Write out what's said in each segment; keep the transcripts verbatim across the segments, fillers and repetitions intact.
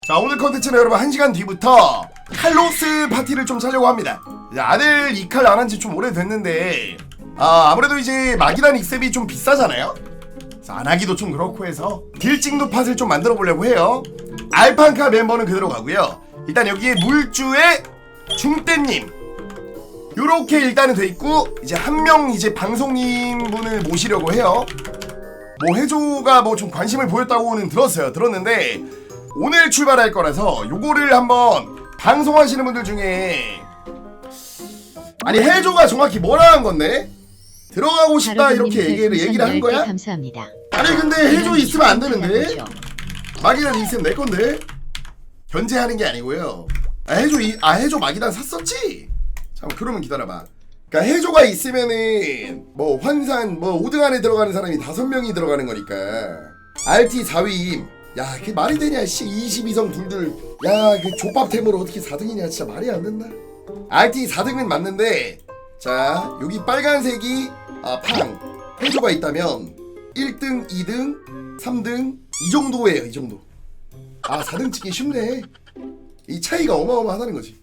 자, 오늘 컨텐츠는 여러분 한 시간 뒤부터 칼로스 파티를 좀 차려고 합니다. 아들 이 칼 안 한 지 좀 오래됐는데 아, 아무래도 이제 마기단 익셉이 좀 비싸잖아요? 그래서 안 하기도 좀 그렇고 해서 딜찍누 팟을 좀 만들어 보려고 해요. 알판카 멤버는 그대로 가고요. 일단 여기에 물주의 중대님 요렇게 일단은 돼 있고, 이제 한 명 이제 방송인 분을 모시려고 해요. 뭐 해조가 뭐 좀 관심을 보였다고는 들었어요. 들었는데 오늘 출발할 거라서 요거를 한번 방송하시는 분들 중에, 아니 해조가 정확히 뭐라 한 건데? 들어가고 싶다 이렇게 얘기를 얘기를 한 거야? 감사합니다. 아니 근데 해조 있으면 안 되는데? 마기단 있으면 내 건데? 견제하는 게 아니고요. 아 해조 이, 아 해조 마기단 샀었지? 잠깐 그러면 기다려봐. 그러니까 해조가 있으면은 뭐 환산 뭐 오 등 안에 들어가는 사람이 다섯 명이 들어가는 거니까 알티 사 위임. 야 그게 말이 되냐 씨. 이십이 성 둘둘 야 그 족밥템으로 어떻게 사 등이냐 진짜 말이 안 된다. 알티 사 등은 맞는데, 자 여기 빨간색이 아 팡 해조가 있다면 일 등, 이 등, 삼 등 이 정도예요. 이 정도. 아 사 등 찍기 쉽네. 이 차이가 어마어마하다는 거지.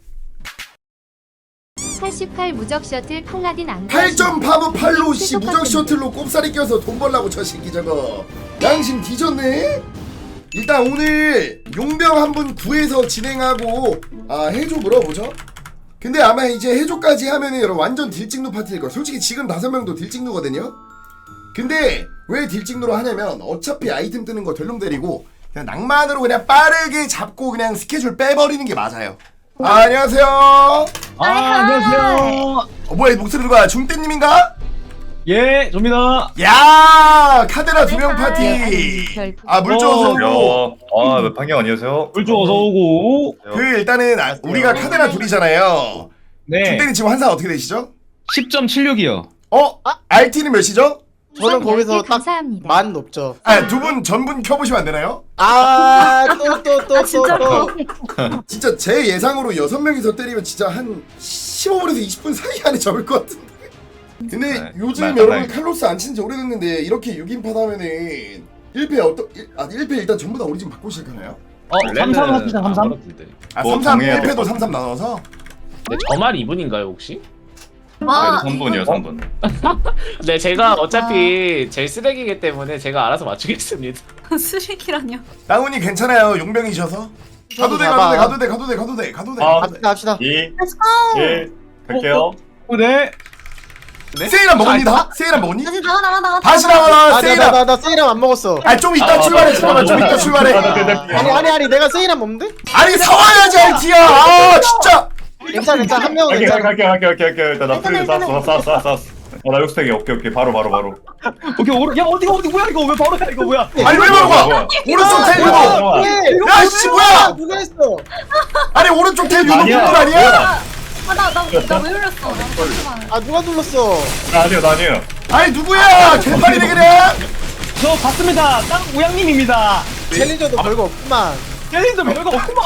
팔십팔 무적 셔틀 팔라딘 안 팔 점 파브 팔로 씨 무적 셔틀로 꼽사리 껴서 돈 벌라고 저 새끼 저거 양심 뒤졌네. 일단 오늘 용병 한 분 구해서 진행하고 아 해조 물어보죠. 근데 아마 이제 해조까지 하면은 여러분 완전 딜찍누 파티일 거야. 솔직히 지금 다섯 명도 딜찍누거든요. 근데 왜 딜찍누로 하냐면 어차피 아이템 뜨는 거 덜렁대리고 그냥 낭만으로 그냥 빠르게 잡고 그냥 스케줄 빼버리는 게 맞아요. 아, 안녕하세요. 아, 안녕하세요. 어, 뭐야 이 목소리 누가 중대님인가? 예, 접니다. 야 카데라 두 명 파티. 아 물조 어서 오고. 야, 아, 방영 안녕하세요. 물주 어서 오고. 그 일단은 아, 우리가 카데라 둘이잖아요. 네. 중대님 지금 환산 어떻게 되시죠? 십 점 칠육이요. 어? 알티는 몇이죠? 저는 거기서 딱 만 높죠. 아 두 분 전분 켜보시면 안 되나요? 아, 또 또 또 또 또. 진짜 제 예상으로 여섯 명이서 때리면 진짜 한 십오 분에서 이십 분 사이 안에 접을 것 같은데. 근데 네, 요즘 맞- 여러분 맞- 칼로스 안 친지 오래됐는데 이렇게 육 인팟 하면은 일 패 어떠 일, 아 일 패 일단 전부 다 오리진 바꾸시작하나요 어, 삼삼 합시다, 삼삼. 아 뭐 삼 삼 정해야 일 패도 될 삼 삼 나눠서? 네, 저만 이 분인가요 혹시? 그래도 삼 분이요, 삼 분. 네, 제가 어차피 제일 쓰레기이기 때문에 제가 알아서 맞추겠습니다. 쓰레기라뇨. 나훈이 괜찮아요. 용병이셔서. 가도 돼 가도 돼 가도 돼 가도 돼 가도 돼 가도 돼. 아, 가도 돼. 합시다 합시다. 이, Let's go. 일, 갈게요. 어, 네. 네? 세일한 먹었니 다? 세일한 먹었니? 다시 나가 나가 나가. 다시 나와라 아, 세일한. 나나나 세일함 안 먹었어. 아 좀 이따 출발해 잠깐만 좀 이따 출발해. 아니 아니 아니 내가 세일함 먹는데? 아니 사와야지 알티야. 아 진짜. 괜찮아 괜찮아 한 명은 갈게, 괜찮아. 갈게, 갈게, 갈게, 갈게. 일단 나 프리드 쐈어, 쐈어, 쐈어, 쐈어. 어, 나 육스택이 오케이, 오케이. 바로, 바로, 바로. 오케이, 오른. 야, 어디가 어디 뭐야 이거? 왜 바로 가 이거 뭐야? 아니 왜 바로 가? 뭐야? 오른쪽 텔 유도. 뭐야? 네. 야 씨 뭐야? 누가 했어? 아니 오른쪽 텔 유도 아니야. 분들 아니야? 아나나나왜 흘렸어? 나 잠시만. 아 누가 눌렀어? 나 아니요, 나 아니에요. 아니 누구야? 개판이네 그냥. 저 봤습니다. 땅 우양님입니다. 챌린저도 별거 없구만. 챌린저 별거 없구만.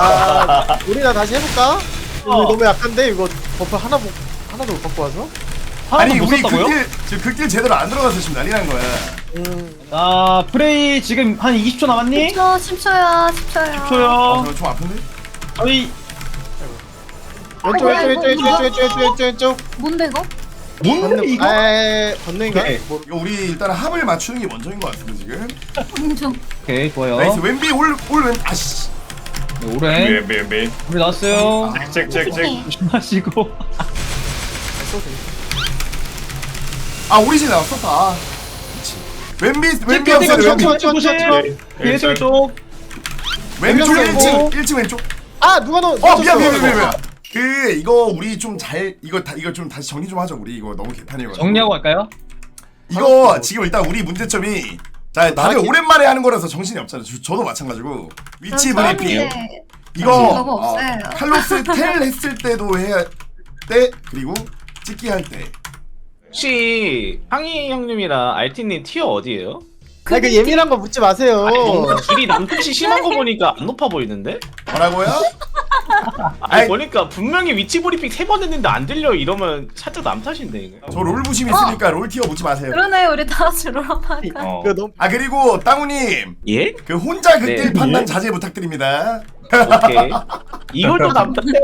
아 우리나 다시 해볼까? 어. 우리 너무 약한데 이거 버프 하나 못 하나도 못 갖고 와서? 아니 못 우리 썼다고요? 극딜 지금 극딜 제대로 안 들어가서 지금 난리 난 거야. 음. 아, 프레이 지금 한 이십 초 남았니? 십 초 십 초야 십 초야. 아, 초요. 저좀 아픈데? 저희 왼쪽 왼쪽 왼쪽 왼쪽 왼쪽 왼쪽 왼쪽 왼쪽. 뭔데 이거? 뭔데 건능 이거? 에 건능인가? 오케이. 뭐 이거 우리 일단 합을 맞추는 게 먼저인 것 같은데 지금. 좀 오케이, 좋아요. 나이스 왼비 올올왼 아씨. 네, 미, 오른. 미, 미. 우리 나왔어요. 잭, 잭, 잭. 조심하시고. 아 오리진 나왔었다. 아, 그렇지. 왼비 왼비 찍어, 없어요. 찍어, 왼비. 찍어, 찍어, 찍어. 예, 뒤에서 예, 쪽. 왼쪽 왼쪽 일 층 왼쪽. 일 층 왼쪽. 아 누가 넣? 어 미안 미안 미안 미안. 그 이거 우리 좀 잘 이거 다 이거 좀 다시 정리 좀 하자. 우리 이거 너무 개판이어가지고. 정리하고 갈까요? 이거 지금 일단 우리 문제점이 자 다들 나한테- 오랜만에 하는 거라서 정신이 없잖아. 저, 저도 마찬가지고 위치 브리핑. 이거 정신이 너무 어, 없어요. 칼로스 텔 했을 때도 해야 때 그리고 찍기 할 때. 혹시 항희 형님이랑 알티님 티어 어디예요? 아그 예민한 거 묻지 마세요. 아니 뭔가 둘이 남탓이 심한 거 보니까 안 높아 보이는데? 뭐라고요? 아니 아이. 보니까 분명히 위치 브리핑 세 번 했는데 안 들려 이러면 살짝 남 탓인데 이거. 저 롤부심 있으니까 롤티어 묻지 마세요. 그러네 우리 다 같이 롤하니까. 어. 그 너무 아 그리고 땅우님 예? 그 혼자 극딜 네. 판단 자제 부탁드립니다. 오케이. 이걸 또 남 탓해?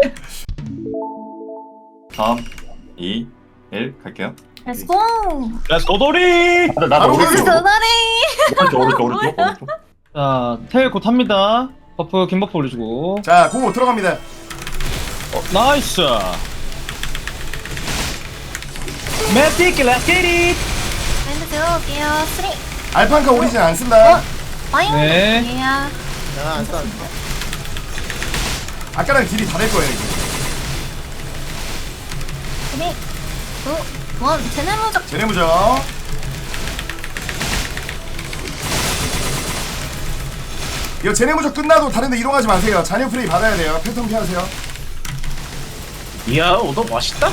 삼, 이, 일 갈게요. Let's go. 야 도돌이. 아, 나도 바로 오른쪽, 오른쪽. 도다리. 오른쪽, 오른쪽, 오른쪽, 오른쪽. 자, 텔 곧 합니다. 버프, 긴 버프 올려주고. 자 고고 들어갑니다. 어, 나이스. 매틱, 렛츠 겟 잇! 랜드 들어올게요. 쓰리. 알판카 오리진 안 쓴다. 와요. 네. 예. 야안 써. 아까랑 딜이 다 될 거예요 이제. 쓰리. 투. 원. 제네 무적. 제네무죠. 이거 제네무적 끝나도 다른데 이동하지 마세요. 잔여 프레이 받아야 돼요. 패턴 피하세요. 이야 오더 맛있다.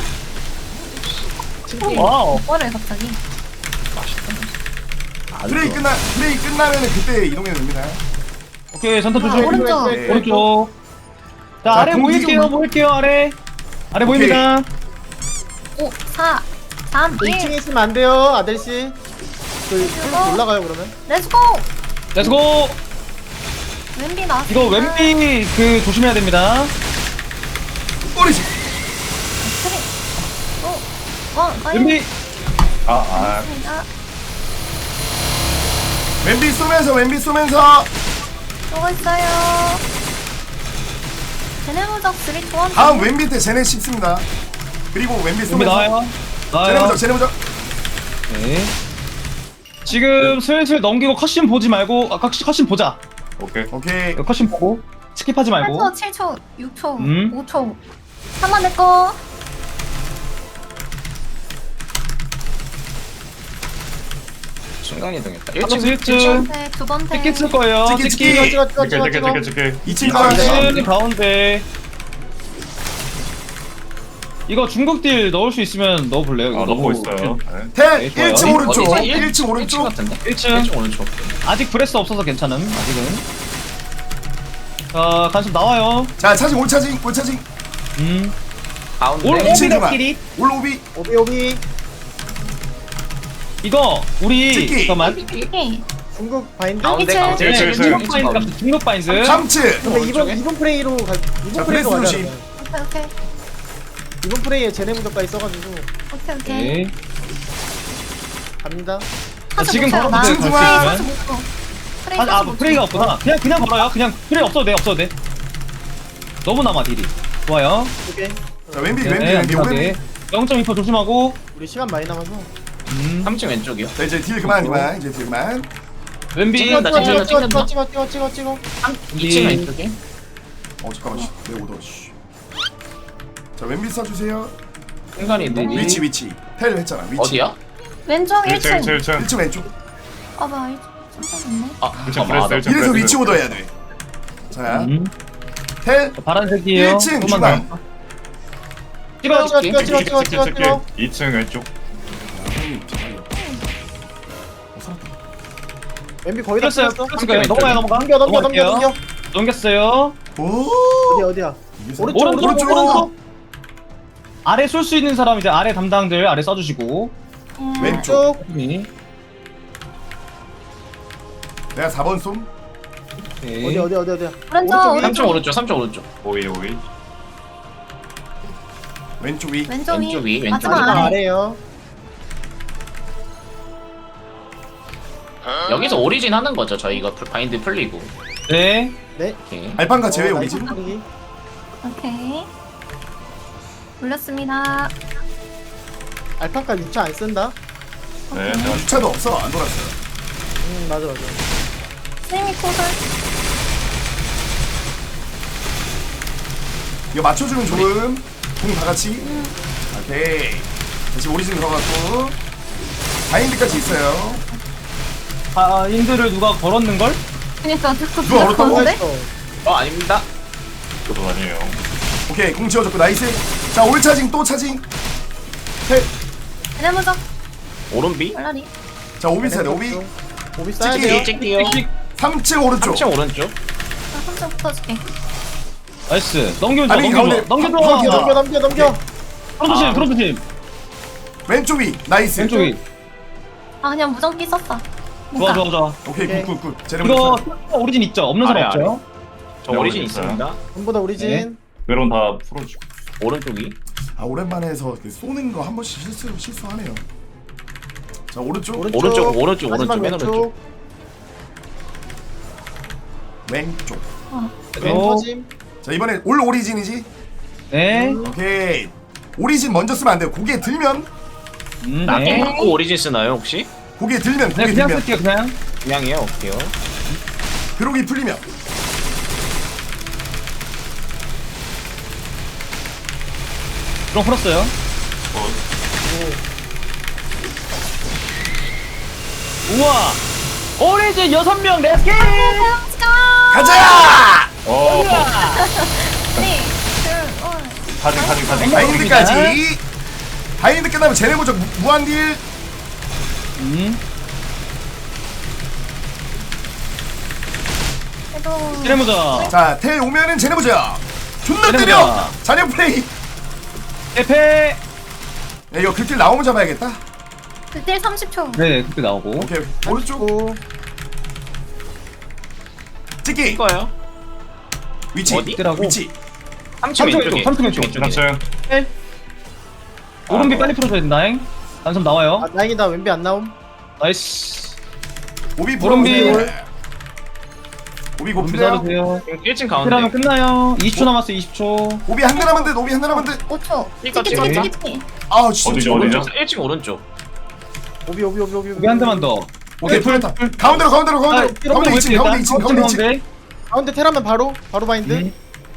와우. 뭐를 갑자기? 프레이 끝나 프레이 끝나면 그때 이동해도 됩니다. 오케이, 전투 아, 조심. 오른쪽. 네. 오른쪽. 자, 자, 아래 공기 모일게요, 좀- 모일게요, 아래. 아래 오케이. 모입니다. 오. 사. 삼. 이 층에 일. 있으면 안 돼요 아델씨. 그 클로스 올라가요 그러면. 렛츠고. 렛츠고! 왼비 나왔어. 이거 왼비 그 조심해야 됩니다. 오리진. 쓰리. 오. 원. 와요. 왼비. 아, 아. 자, 왼비 쏘면서 왼비 쏘면서 쏘고 있어요. 제네 무적 쓰리. 투. 원. 다음 왼비 때 제네 씹습니다. 그리고 왼비 왼비 쏘면서 나와요. 나와요. 제네무적 제네무적. 네. 지금 슬슬 넘기고 컷신 보지 말고, 아, 컷신, 컷신 보자. 오케이. 오케이. 이거 컷신 보고, 스킵하지 팔 말고. 초, 칠 초, 육 초, 음. 오 초. 한번 내꺼. 순간 이동했다. 플러스 일 층. 네, 두 번째. 찍기 쓸 거예요. 찍기, 찍기. 찍기. 찍어 찍어 찍어 찍게, 찍어 찍게, 찍어. 찍게, 찍게. 이 층 아, 가운데. 네. 일 가운데. 이거 중국딜 넣을 수 있으면 넣어볼래요? 이거 아, 넣고 너무 있어요. 네. 텔 네, 좋아요. 일 층 오른쪽. 어디지? 일 층 오른쪽. 같은데? 일 층. 일 층 오른쪽. 아직 브레스 없어서 괜찮음. 아직은. 자, 간섭 나와요. 자 차징 올 차징 올 차징. 음. 가운데. 올 이 층 그만. 오비다끼리. 올 오비. 오비 오비. 이거 우리 찍기. 잠깐만. 오케이. 중국 바인드. 가운데 일 층. 가운데. 일 층, 일 층. 중국 바인드 같은 중국 바인드. 삼 층. 근데 이번 이번 프레이로 가. 이번 자, 프레이로 프레스 가자. 조심. 그러면. 오케이, 오케이. 이번 프레이에 제네 무적까지 써가지고 오케이, 오케이. 네. 갑니다. 하수 지금 못 쳐요, 바로 나. 그 프레이 중간. 하수 못 쳐. 프레이 아, 아 하수 못 프레이가 쳐. 없구나. 그냥 그냥 걸어요. 그냥 프레이 없어도 돼. 없어도 돼. 너무 남아 딜이. 좋아요. 오케이. 자 왼비 네, 왼비 왼비 안전하게. 오른비. 영 점 이 퍼센트 조심하고. 우리 시간 많이 남아서. 음. 삼 층 왼쪽이요. 자 이제 딜 그만 그만 이제 딜 그만. 왼비. 찍는다, 찍어 찍는다, 찍어 찍는다. 찍어 찍어 찍어 찍어. 이 층 왼쪽에. 어 잠깐만 씨. 내 오더 씨. 자 왼비 쏴주세요. 순간 이동. 위치 위치. 텔 했잖아 위치. 어디야? 왼쪽 일 층, 일 일 층. 층, 일 층. 일 층 왼쪽. 아, 나 일 층 깜짝이네. 아, 일 층 잠깐만. 브레스, 일 층 이래서 브레스. 위치 오더해야 돼. 자 음. 텔 파란색이에요. 일 층 조금만 중앙. 더. 찍어 찍어 찍기. 찍어 찍어 찍게, 찍어 찍게, 찍어 찍게. 찍어. 이 층 왼쪽. 엠비 거의 다 풀렸어요. 찍었어. 풀렸을 거예요. 넘어가요, 넘어가. 넘겨 넘겨 넘겨 넘어갈게요. 넘겨. 넘겼어요. 오. 어디야 어디야. 이게 오른쪽, 오른쪽, 오른쪽. 오른쪽. 아래 쏠 수 있는 사람 이제 아래 담당들 아래 써주시고. 음. 왼쪽. 쭉. 네. 내가 사 번 쏨. 오케이. 어디 어디 어디 어디야. 오른쪽, 오른쪽, 삼 층 오른쪽. 오른쪽. 삼 층 오른쪽. 오이, 오이. 왼쪽 위. 왼쪽 왼쪽 위, 위. 왼쪽 마지막 마지막 아래. 아래요. 여기서 오리진 하는 거죠. 저희가 풀- 바인드 풀리고. 네. 네. 오케이. 알판카 제외 어, 오리진. 나이스 분위기. 오케이. 올렸습니다. 알파카 육 차 안 쓴다. 네, 내가 주차도 없어 안 돌았어요. 음 맞아 맞아. 스윙이 코설. 이거 맞춰주면 좋음. 공 다 같이. 오케이. 다시 오리진 들어갔고. 바인드까지 있어요. 아, 인들을 누가 걸었는 걸? 그니까 자꾸 누가 얼었다고? 들어가는데? 어 아닙니다. 그것도 아니에요. 오케이 공 지워줬고 나이스. 자 올 차징 또 차징. 텔. 제네 무적. 오른비. 얼라리. 자 오비 세대 오비. 오비 써야 찍기. 돼요. 찍기요. 찍찍. 삼 층 오른쪽. 삼 층 오른쪽. 나 삼 점 붙어줄게. 나이스. 넘겨줘, 아니, 넘겨줘. 가운데 넘겨줘. 파- 파운틴 넘겨 넘겨 넘겨. 프로토 팀, 프로토 팀. 왼쪽 위 나이스. 왼쪽 위. 아 그냥 무전기 썼다. 좋아, 좋아, 좋아. 오케이 오케이. 굿굿굿. 이거 제레모. 오리진 있죠? 없는 사람 아래, 없죠? 저 오리진 네, 있습니다. 전보다 오리진. 외론 다 풀어주고. 오른쪽이. 아 오랜만에 해서 그 쏘는 거 한 번씩 실수 실수하네요. 자 오른쪽 오른쪽 오른쪽, 오른쪽, 마지막 오른쪽, 맨 오른쪽. 왼쪽. 왼 어. 터짐. 자 이번에 올 오리진이지. 네. 오케이. 오리진 먼저 쓰면 안 돼요. 고개 들면 음, 나도 네. 받고 오리진 쓰나요 혹시? 고개 들면 네, 고개 그냥 들면 쓸게요, 그냥. 그냥이에요. 오케이요. 그러기 풀리면 그럼 풀었어요. 우와! 오리진 여섯 명 렛츠기! 가자. 어. 네. 둘, 원. 타징 타징 타징. 바인드까지. 바인드 끝나면 제네모적 무한 딜. 음. 그래도 시네모자. 자 텔 오면은 제네모적. 존나 제네모적. 때려. 잔여 플레이. 에페! 야, 이거 그길 나오면 잡아야겠다. 그때 삼십 초. 네, 그때 나오고. 오케이 오른쪽 오. 찍기 이거요. 위치 어디? 뜨라고. 위치. 삼 층 삼층 왼쪽에. 왼쪽, 삼층 왼쪽. 왼쪽에. 삼층. 오른비 아, 빨리 풀어줘야 된다잉. 단섬 나와요. 아 다행이다 왼비 안 나옴. 나이스. 오비 오른비. 오비 오비 오른비 고프네요. 잡으세요. 일 층 그러면 가운데. 끝나요. 이십 초 남았어요, 이십 초. 오비 한 대라만 돼. 오비 한 대라만 돼. 오 초. 이거 찍기 찍기 찍었다. 찍기 찍기. 아우 진짜. 어디죠 어디죠? 오른쪽. 일 층 오른쪽. 오비 오비 오비 오비. 여기 한 대만 더. 오케이 풀렸다. 가운데로 가운데로 아, 가운데로. 가운데 이 층 가운데 이 층 가운데 이 층. 가운데. 가운데 테라면 바로 바로 바인드. 음.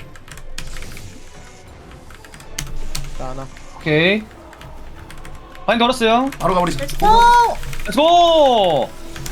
자 하나. 오케이. 바인 걸었어요. 바로 가버리자. 오. 렛츠고!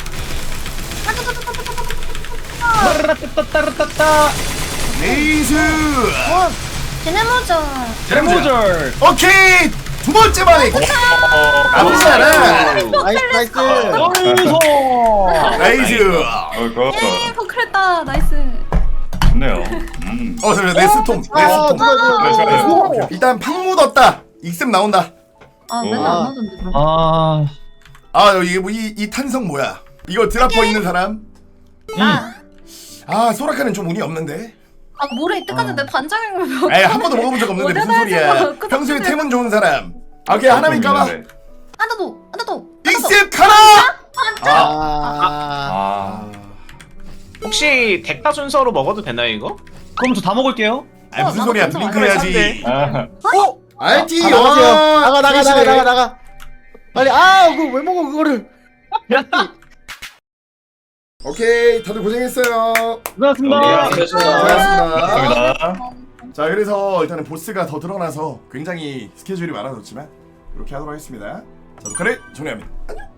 아, 따르따따따따따. 레이즈. 원. 제네모저. 제모절. 오케이 두 번째 만에. 나쁘지 않아. 나이스 나이스. 어이소. 레이즈. 어이구. 예, 포크했다. 나이스. 좋네요. 음. 어 잠시만 내 스톰 내 아 스톰. 누가 누가 네, 누가. 일단 팡 묻었다. 익셉 나온다. 아 맨날 아. 안 나던데. 아. 아 이게 뭐이 이 탄성 뭐야? 이거 드라퍼 있는 사람? 나. 아 소라카는 좀 운이 없는데. 아 뭐래 이때까지 내 반장인 에이 한 번도 먹어본 적 없는데 무슨 어쩌다 소리야? 해서 그 평소에 덕분에- 템은 좋은 사람. 아 오케이 하나만 까봐. 있는데. 하나 더. 하나 더. 익셉 카라. 아. 아. 아. 혹시 덱타 순서로 먹어도 되나요 이거? 그럼 저 다 먹을게요. 아 무슨 어, 소리야? 나도 블링크 좀 해야지. 아. 알티. 아, 나가세요. 와, 나가 나가 나가 프레시네. 나가 나가. 빨리 아 그거 왜 먹어 그거를. 오케이 다들 고생했어요. 고생하셨습니다. 네, 고생하셨습니다. 감사합니다. 자 그래서 일단은 보스가 더 드러나서 굉장히 스케줄이 많아졌지만 이렇게 하도록 하겠습니다. 자 녹화를 종료합니다. 안녕.